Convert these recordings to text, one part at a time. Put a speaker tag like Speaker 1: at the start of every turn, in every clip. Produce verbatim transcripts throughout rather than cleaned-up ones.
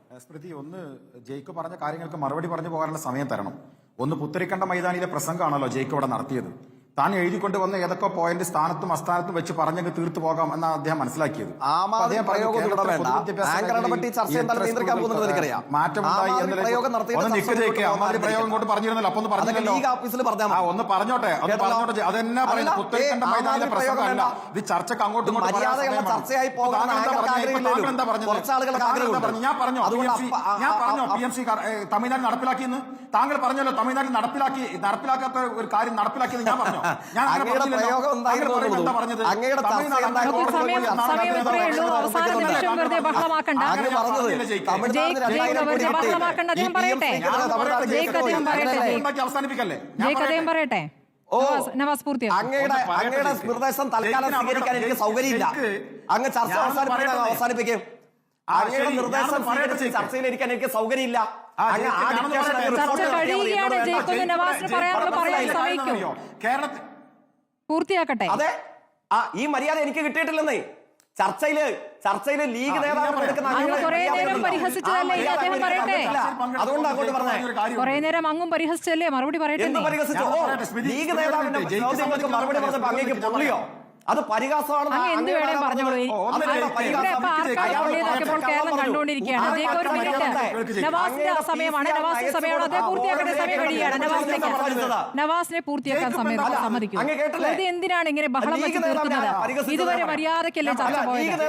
Speaker 1: സ്മൃതി, ഒന്ന് ജയിക്ക് പറഞ്ഞ കാര്യങ്ങൾക്ക് മറുപടി പറഞ്ഞു പോകാനുള്ള സമയം തരണം. ഒന്ന് പുത്തരിക്കണ്ട മൈതാനിയിലെ പ്രസംഗമാണല്ലോ ജയിക്ക് ഇവിടെ നടത്തിയത്. താൻ എഴുതിക്കൊണ്ട് വന്ന ഏതൊക്കെ പോയിന്റ് സ്ഥാനത്തും അസ്ഥാനത്തും വെച്ച് പറഞ്ഞങ്ങ് തീർത്തു പോകാം എന്നാണ് അദ്ദേഹം മനസ്സിലാക്കിയത്. മാറ്റമുണ്ടായി പ്രയോഗം കൊണ്ട് പറഞ്ഞിരുന്നല്ലോ. അപ്പൊ ഒന്ന് പറഞ്ഞില്ലല്ലോ. ഒന്ന് പറഞ്ഞോട്ടെ പറഞ്ഞോട്ടെ അതെന്നാ പറയുന്നത്? പുത്തരിക്കണ്ട മൈതാനിയിലെ പ്രസംഗമല്ല ഇത്. ചർച്ചക്ക് അങ്ങോട്ടും ഇങ്ങോട്ടും എന്താ പറഞ്ഞത്? ഞാൻ പറഞ്ഞോ ഞാൻ പറഞ്ഞോ പി എം സി തമിഴ്നാട് നടപ്പിലാക്കിയെന്ന് താങ്കൾ പറഞ്ഞല്ലോ. തമിഴ്നാട്ടിൽ നടപ്പിലാക്കി നടപ്പിലാക്കാത്ത ഒരു കാര്യം നടപ്പിലാക്കിയത് ഞാൻ പറഞ്ഞു.
Speaker 2: പറയട്ടെ
Speaker 3: അങ്ങയുടെ നിർദ്ദേശം തൽക്കാലം സ്വീകരിക്കാൻ എനിക്ക് സൗകര്യമില്ല. അങ്ങ് ചർച്ച അവസാനിപ്പിക്കും. അങ്ങയുടെ നിർദ്ദേശം ചർച്ചയിലിരിക്കാൻ എനിക്ക് സൗകര്യമില്ല.
Speaker 2: പൂർത്തിയാക്കട്ടെ.
Speaker 3: അതെ, ആ ഈ മര്യാദ എനിക്ക് കിട്ടിയിട്ടില്ലെന്നേ. ചർച്ചയില് ചർച്ചയില് ലീഗ് നേതാവ് അതുകൊണ്ട് അങ്ങോട്ട് പറഞ്ഞേ.
Speaker 2: കുറെ നേരം അങ്ങും പരിഹസിച്ചല്ലേ? മറുപടി പറയട്ടെ.
Speaker 3: ലീഗ് നേതാവിന്റെ ചോദ്യങ്ങൾക്ക് മറുപടി പറഞ്ഞപ്പോ അങ്ങേക്ക് പൊള്ളിയോ? അത് പരിഹാസമാണ്.
Speaker 2: എന്ത് വേണേലും പറഞ്ഞോളൂ. കേരളം കണ്ടുകൊണ്ടിരിക്കുകയാണ്. ഒരു മിനിറ്റ്, നവാസിന്റെ സമയമാണ്. നവാസിന്റെ സമയമാണ്. അതേ പൂർത്തിയാക്കേണ്ട സമയം കഴിയുകയാണ്. നവാസിലേക്ക് നവാസിനെ പൂർത്തിയാക്കാൻ സമയം സമ്മതിക്കും. ഇത് എന്തിനാണ് ഇങ്ങനെ ബഹളം വെച്ച് തീർക്കുന്നത്? ഇതുവരെ മര്യാദക്കല്ലേ ചർച്ച പോയത്?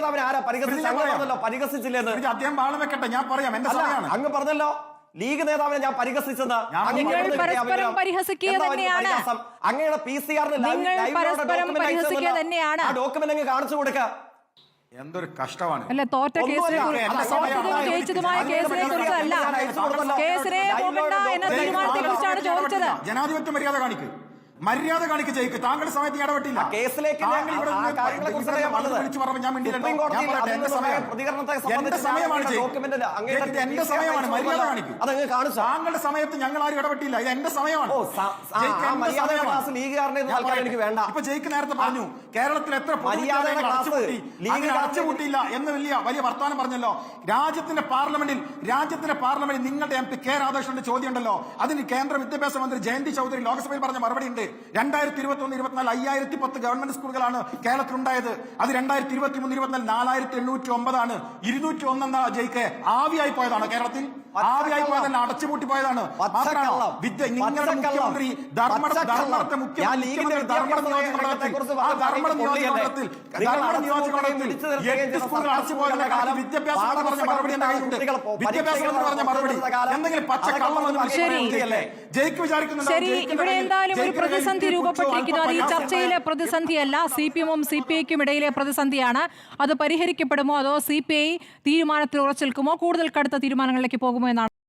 Speaker 3: അങ്ങ് പറഞ്ഞല്ലോ ലീഗ് നേതാവിനെ ഞാൻ പരിഹസിച്ചെന്ന്.
Speaker 2: പരസ്പരം പരിഹസിക്കുക തന്നെയാണ്.
Speaker 3: അങ്ങയുടെ പി സി ആറിന് ഡോക്യുമെന്റ് അങ്ങ് കാണിച്ചു കൊടുക്ക.
Speaker 1: എന്തൊരു കഷ്ടമാണ്.
Speaker 2: അല്ല, തോറ്റ കേസിനെ ജയിച്ചതുമായ കേസിനെ കുറിച്ചല്ല, കേസിനെ പോകണ്ട എന്ന തീരുമാനത്തെ കുറിച്ചാണ് ചോദിച്ചത്.
Speaker 1: ജനാധിപത്യ മര്യാദ കാണിക്ക്, മര്യാദ കാണിക്ക് ജയിക്ക്. താങ്കളുടെ സമയത്ത് ഇടപെട്ടില്ല.
Speaker 3: കേസിലേക്ക്
Speaker 1: ഞാൻ എന്റെ സമയമാണ് എന്റെ സമയമാണ്. മര്യാദ കാണിക്കും. താങ്കളുടെ സമയത്ത് ഞങ്ങൾ ആരും ഇടപെട്ടില്ല. ഇത് എന്റെ സമയമാണ്.
Speaker 3: എനിക്ക് വേണ്ട.
Speaker 1: ഇപ്പൊ ജയിക്ക് നേരത്തെ പറഞ്ഞു കേരളത്തിൽ എത്ര അടച്ചുപൂട്ടിയില്ല എന്ന് വലിയ വലിയ വർത്തമാനം പറഞ്ഞല്ലോ. രാജ്യത്തിന്റെ പാർലമെന്റിൽ രാജ്യത്തിന്റെ പാർലമെന്റിൽ നിങ്ങളുടെ എം പി കെ രാധാകൃഷ്ണന്റെ ചോദ്യം ഉണ്ടല്ലോ. അതിന് കേന്ദ്ര വിദ്യാഭ്യാസ മന്ത്രി ജയന്തി ചൌധരി ലോക്സഭയിൽ പറഞ്ഞ മറുപടി ഉണ്ട്. രണ്ടായിരത്തി ഇരുപത്തി ഒന്ന് ഇരുപത്തിനാല് അയ്യായിരത്തി പത്ത് ഗവൺമെന്റ് സ്കൂളുകളാണ് കേരളത്തിലുണ്ടായത്. അത് രണ്ടായിരത്തി ഇരുപത്തി മൂന്ന് ഇരുപത്തിനാല് നാലായിരത്തി എണ്ണൂറ്റി ഒമ്പതാണ്. ഇരുന്നൂറ്റി ഒന്നെന്ന ജയിക്ക് ആവിയായി പോയതാണ്. കേരളത്തിൽ ആവിയായി പോയതല്ല, അടച്ചുപൂട്ടി പോയതാണ്. വിദ്യ നിങ്ങളുടെ മുഖ്യമന്ത്രി ധർമ്മട ധർമ്മടത്തെ മുഖ്യമന്ത്രി ധർമ്മട നിയോജകമണ്ഡലത്തിൽ ആ ധർമ്മട നിയോജകമണ്ഡലത്തിൽ ധർമ്മട നിയോജകമണ്ഡലത്തിൽ എട്ട് സ്കൂളുകൾ അടച്ചു പോയതിന്റെ കാലം വിദ്യാഭ്യാസം പറഞ്ഞ മറുപടി എന്റെ കയ്യിലുണ്ട്. വിദ്യാഭ്യാസം എന്ന് പറഞ്ഞ മറുപടി എന്തെങ്കിലും പച്ചക്കള്ളമെന്ന് ജയിക്ക് വിചാരിക്കുന്നുണ്ട്.
Speaker 2: ശരി, ഇവിടെ എന്തായാലും ഒരു പ്രതിസന്ധി രൂപപ്പെട്ടിരിക്കുന്നു. അത് ഈ ചർച്ചയിലെ പ്രതിസന്ധിയല്ല, സി പി എമ്മും സി പി ഐക്കും ഇടയിലെ പ്രതിസന്ധിയാണ്. അത് പരിഹരിക്കപ്പെടുമോ അതോ സി പി ഐ തീരുമാനത്തിൽ ഉറച്ചു നിൽക്കുമോ, കൂടുതൽ കടുത്ത തീരുമാനങ്ങളിലേക്ക് പോകുമോ എന്നാണ്